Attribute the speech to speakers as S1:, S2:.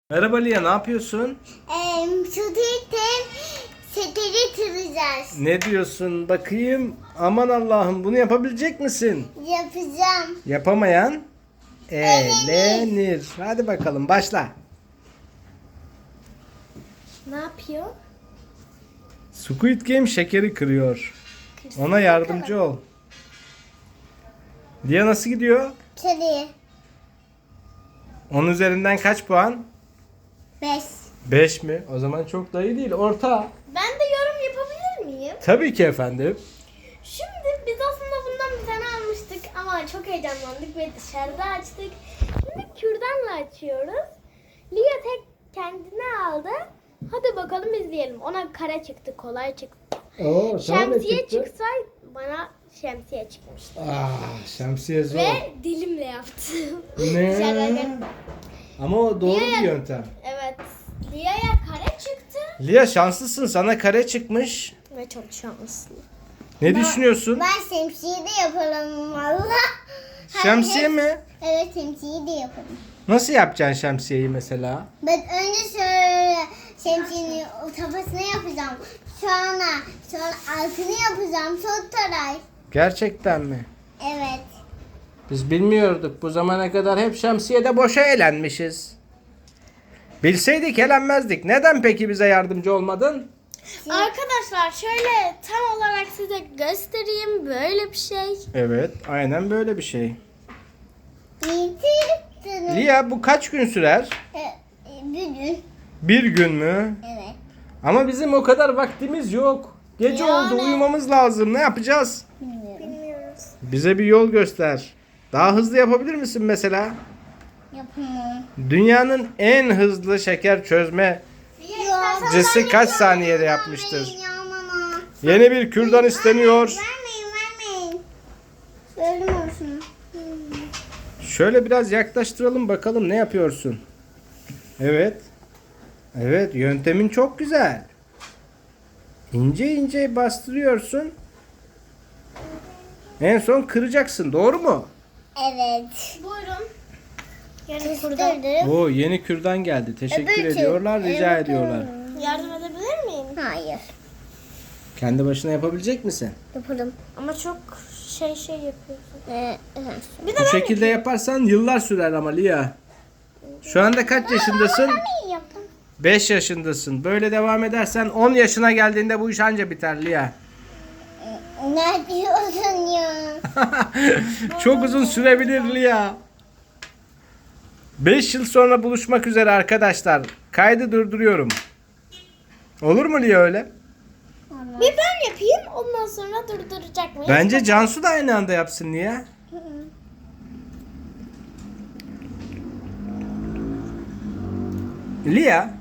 S1: Merhaba Lia, ne yapıyorsun?
S2: Seteri kıracağız.
S1: Ne diyorsun? Bakayım. Aman Allah'ım, bunu yapabilecek misin?
S2: Yapacağım.
S1: Yapamayan elenir. Hadi bakalım, başla.
S2: Ne yapıyor?
S1: Squid Game şekeri kırıyor. Ona yardımcı ol. Lia nasıl gidiyor?
S2: Kedi.
S1: 10 üzerinden kaç puan?
S2: 5.
S1: 5 mi? O zaman çok da iyi değil. Orta.
S2: Ben de yorum yapabilir miyim?
S1: Tabii ki efendim.
S2: Şimdi biz aslında bundan bir tane almıştık ama çok heyecanlandık ve dışarıda açtık. Şimdi kürdanla açıyoruz. Lia tek kendine aldı. Hadi bakalım izleyelim. Ona kare çıktı, kolay çıktı.
S1: Oo,
S2: Şemsiye çıksa bana şemsiye çıkmıştı.
S1: Şemsiye zor.
S2: Ve dilimle yaptım.
S1: Ne?
S2: Dışarıdayken.
S1: Ama o doğru
S2: Lia-
S1: bir yöntem.
S2: Evet. Lia'ya kare çıktı.
S1: Lia şanslısın, sana kare çıkmış.
S2: Ve çok şanslı.
S1: Ne düşünüyorsun?
S2: Ben şemsiye de yapalım valla.
S1: Şemsiye mi?
S2: Evet şemsiye de yapalım.
S1: Nasıl yapacaksın şemsiyeyi mesela?
S2: Ben önce şöyle şemsiyenin kafasını yapacağım. Sonra altını yapacağım. Son taray.
S1: Gerçekten mi?
S2: Evet.
S1: Biz bilmiyorduk. Bu zamana kadar hep şemsiyede boşa eğlenmişiz. Bilseydik eğlenmezdik. Neden peki bize yardımcı olmadın?
S2: Arkadaşlar şöyle tam olarak size göstereyim. Böyle bir şey.
S1: Evet, aynen böyle bir şey.
S2: Bitirdim.
S1: Lia, bu kaç gün sürer?
S2: Bugün.
S1: Bir gün mü?
S2: Evet.
S1: Ama bizim o kadar vaktimiz yok. Gece
S2: Yani.
S1: oldu, uyumamız lazım. Ne yapacağız?
S2: Bilmiyoruz.
S1: Bize bir yol göster. Daha hızlı yapabilir misin mesela?
S2: Yapamam.
S1: Dünyanın en hızlı şeker çözme Cesi kaç saniyede yapmıştır? Yeni bir kürdan isteniyor.
S2: Vermeyin. Gördüm olsun.
S1: Şöyle biraz yaklaştıralım bakalım, ne yapıyorsun? Evet. Evet, yöntemin çok güzel. İnce ince bastırıyorsun. En son kıracaksın, doğru mu?
S2: Evet. Buyurun. Yani kurdum.
S1: Oo, yeni kürdan geldi. Teşekkür ediyorlar, rica ediyorlar.
S2: Yardım edebilir miyim? Hayır.
S1: Kendi başına yapabilecek misin?
S2: Yaparım. Ama çok şey yapıyorsun. Bir de
S1: Bu şekilde yaparsan yıllar sürer ama Lia. Şu anda kaç yaşındasın?
S2: ben yaptım.
S1: 5 yaşındasın. Böyle devam edersen 10 yaşına geldiğinde bu iş anca biter Lia.
S2: Ne diyorsun ya?
S1: Çok uzun sürebilir Lia. 5 yıl sonra buluşmak üzere arkadaşlar. Kaydı durduruyorum. Olur mu Lia öyle?
S2: Bir ben yapayım ondan sonra durduracak mıyız?
S1: Bence Cansu da aynı anda yapsın Lia. Lia,